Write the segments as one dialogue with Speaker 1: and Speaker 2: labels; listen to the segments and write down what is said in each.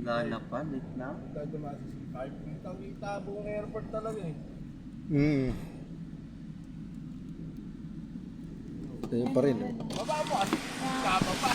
Speaker 1: Wala na pa, late na.
Speaker 2: Kahit kitang-kita buong airport talaga eh.
Speaker 3: Tayo pa rin.
Speaker 2: Baba mo kasi. Kababa.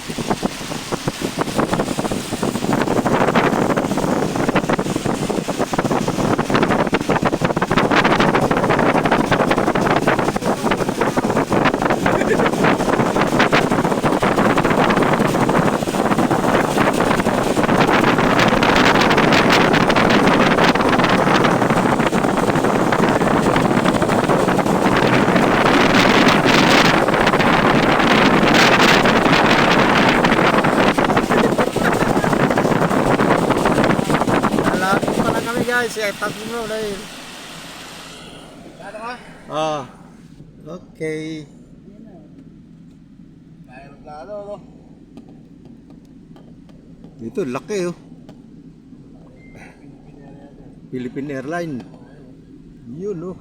Speaker 3: Malapit pa lang kami guys. Tag mo dahil.
Speaker 2: Ano ka?
Speaker 3: Ah. Okay.
Speaker 2: Mayroon plano, no?
Speaker 3: Dito laki oh. Philippine Airline. Yun oh.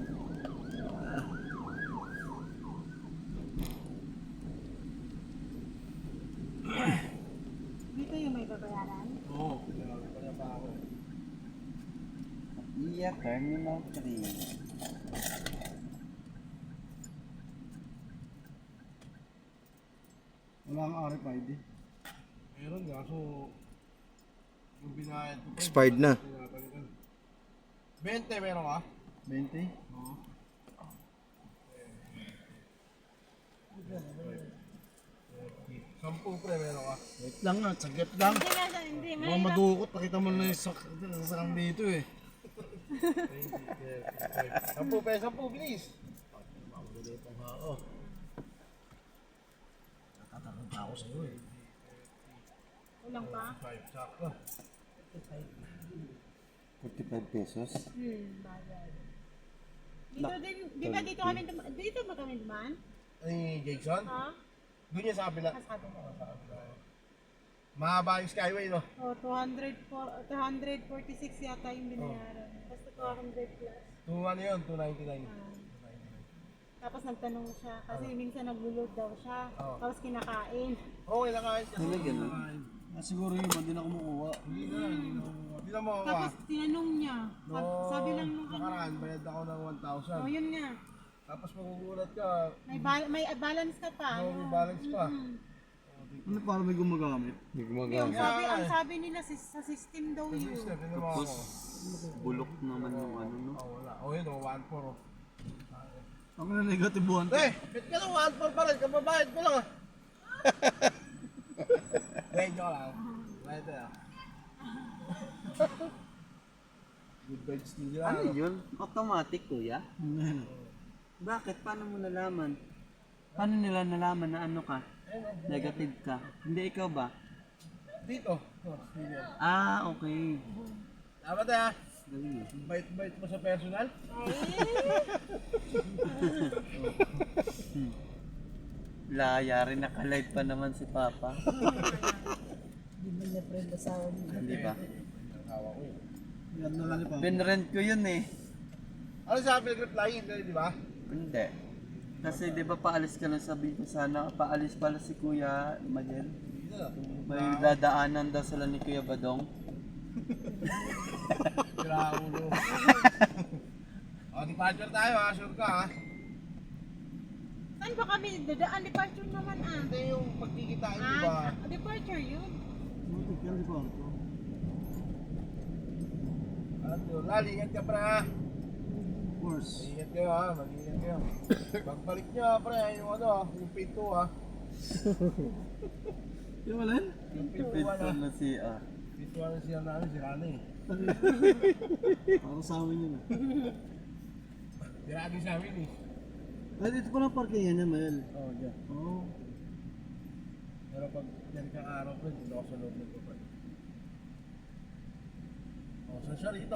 Speaker 4: Dito yung may babayaran?
Speaker 2: Oo. Pinarawi pa niya pa ako.
Speaker 1: Iya, Terminal 3.
Speaker 2: Wala kang RFID. Meron nga, so yung binayad ko pa.
Speaker 3: Expired na.
Speaker 2: 20 meron ka?
Speaker 3: 20?
Speaker 2: Oo. Sampu pre meron ka?
Speaker 3: Wait lang nga, saglit lang.
Speaker 4: Hindi nga, hindi.
Speaker 2: Mga madukot, nakita mo na yung sakang dito eh. Sampu pe, sampu, bilis! Natatakot ako sa'yo eh.
Speaker 4: Kulang pa?
Speaker 2: 5 sakto.
Speaker 3: 45 pesos.
Speaker 4: Bagay. Dito din, di ba dito kami dumaan? Dito ba kami dumaan?
Speaker 2: Ay, Jason?
Speaker 4: Ha?
Speaker 2: Doon yan sa kabila.
Speaker 4: Sabi mo.
Speaker 2: Mahaba yung skyway no?
Speaker 4: Oh, 246 yata yung binayaran. Basta 200 plus.
Speaker 2: 2 ano yun? 299.
Speaker 4: Tapos nagtanong siya, kasi minsan nag-load daw siya.
Speaker 2: Oo.
Speaker 4: Tapos kinakain.
Speaker 2: Oo, kinakain siya.
Speaker 1: Talaga no?
Speaker 3: Siguro yun, hindi na kumukuha.
Speaker 2: Hindi na, hindi na mo ako.
Speaker 4: Tapos tinanong niya. Sabi lang nung
Speaker 2: nakaraan, bayad ako ng
Speaker 4: oh
Speaker 2: 1,000.
Speaker 4: yun nga.
Speaker 2: Tapos magugulat ka,
Speaker 4: May balance ka pa.
Speaker 2: may balance pa.
Speaker 3: Ano para may gumagamit? May gumagamit.
Speaker 4: Ang sabi nila sa system daw yun.
Speaker 2: Sister, hindi mo ako.
Speaker 1: Bulok naman yung ano, no?
Speaker 2: Oh, wala. Oh, yun, 1,400.
Speaker 3: Ako na negative 1.
Speaker 2: Eh, bit ka lang 1,400 pa rin, kababayad ko lang ah. Wait, joke lang. Right there. Good vibes nila.
Speaker 1: Ano yun? Automatic, kuya? Bakit? Paano mo nalaman? Paano nila nalaman na ano ka? Negative ka? Hindi, ikaw ba?
Speaker 2: Dito. Oh, dito.
Speaker 1: Ah, okay.
Speaker 2: Dapat ah.
Speaker 1: Galing eh.
Speaker 2: Bait-bait mo sa personal.
Speaker 1: Laya rin, naka-live pa naman si Papa.
Speaker 4: Hindi ba niya friend asawa niya?
Speaker 1: Hindi ba?
Speaker 2: Hawa ko eh.
Speaker 3: Yan na lang ni Papa.
Speaker 1: Pinrent ko yun eh.
Speaker 2: Ano sabi nag-reply? Hindi, di ba?
Speaker 1: Hindi. Kasi di ba paalis ka lang, sabi ko sana, paalis pala si Kuya Magen.
Speaker 2: Hindi na.
Speaker 1: May dadaanan daw sila ni Kuya Badong.
Speaker 2: Sira ulo. O, departure tayo ha. Sure ka ha.
Speaker 4: Saan ba kami dadaan? Departure naman ah.
Speaker 2: Hindi yung pagkikitain di ba?
Speaker 4: Departure yun.
Speaker 3: Mutik yan, di ba?
Speaker 2: Ano, Lali, ingat ka pre ha.
Speaker 3: Of course.
Speaker 2: Ingat kayo ha. Mag-ingat kayo. Pagbalik nyo ha pre, yung ano ha. Yung pinto ha.
Speaker 3: Yung alin?
Speaker 2: Yung pinto
Speaker 1: Pinto
Speaker 2: na.
Speaker 1: na si
Speaker 2: Pinto na siya namin, sira na eh.
Speaker 3: Para sa amin yun.
Speaker 2: Sira din sa amin eh.
Speaker 3: Ay, dito pa lang parkingan niya, Mel.
Speaker 2: Oo, dyan.
Speaker 3: Oo.
Speaker 2: Pero pag yan kang araw pre, dito ako sa loob nito pre. O, saan siya rito?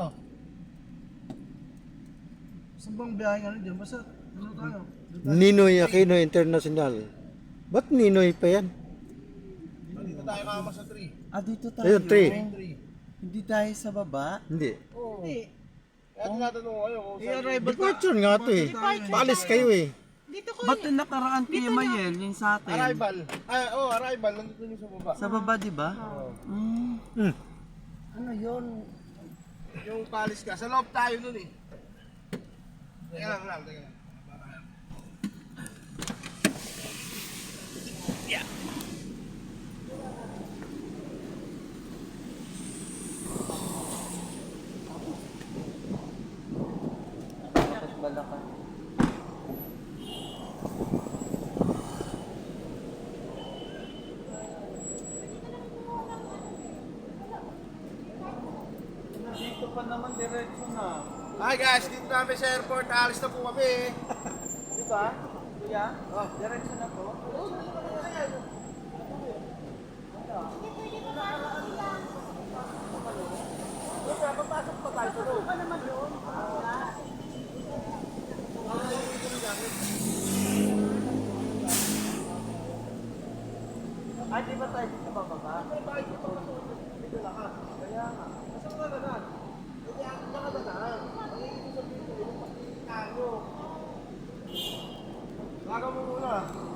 Speaker 3: Saan bang biyahe ka dyan? Basta, ano tayo?
Speaker 5: Ninoy Aquino International. Ba't Ninoy pa yan?
Speaker 2: Dito tayo kama sa tree.
Speaker 1: Ah, dito tayo.
Speaker 5: Ayun, 3.
Speaker 2: Tree.
Speaker 1: Hindi tayo sa baba.
Speaker 5: Hindi.
Speaker 2: Oo.
Speaker 4: Hindi.
Speaker 2: Kaya tinatanong ko kayo kung saan.
Speaker 5: Departure nga ito eh. Paalis kayo eh.
Speaker 4: Dito ko
Speaker 1: Ba't yung nakaraan Kuya Mayel, yung sa atin?
Speaker 2: Arrival. Ah, oh, arrival. Nandito yung sa baba.
Speaker 1: Sa baba, di ba?
Speaker 2: Oo.
Speaker 1: Mm.
Speaker 5: Hmm.
Speaker 2: yun? Yung palis ka. Sa loob tayo nun eh. Teka lang.
Speaker 1: Bakit balakan? Dito pa naman diretso na.
Speaker 2: Hi guys, dito namin sa airport. Alis na po kami.
Speaker 1: Di ba? Kuya? Oh, diretso na po.
Speaker 2: Papasok pa tayo sa loob.
Speaker 1: Ay, di ba tayo dito bababa?
Speaker 2: Dito lakas. Kaya nga. Kasi mga ganan. Hindi ako mga ganan. Ang ibig sabihin ko, yung pakikita nyo. Laga mo muna.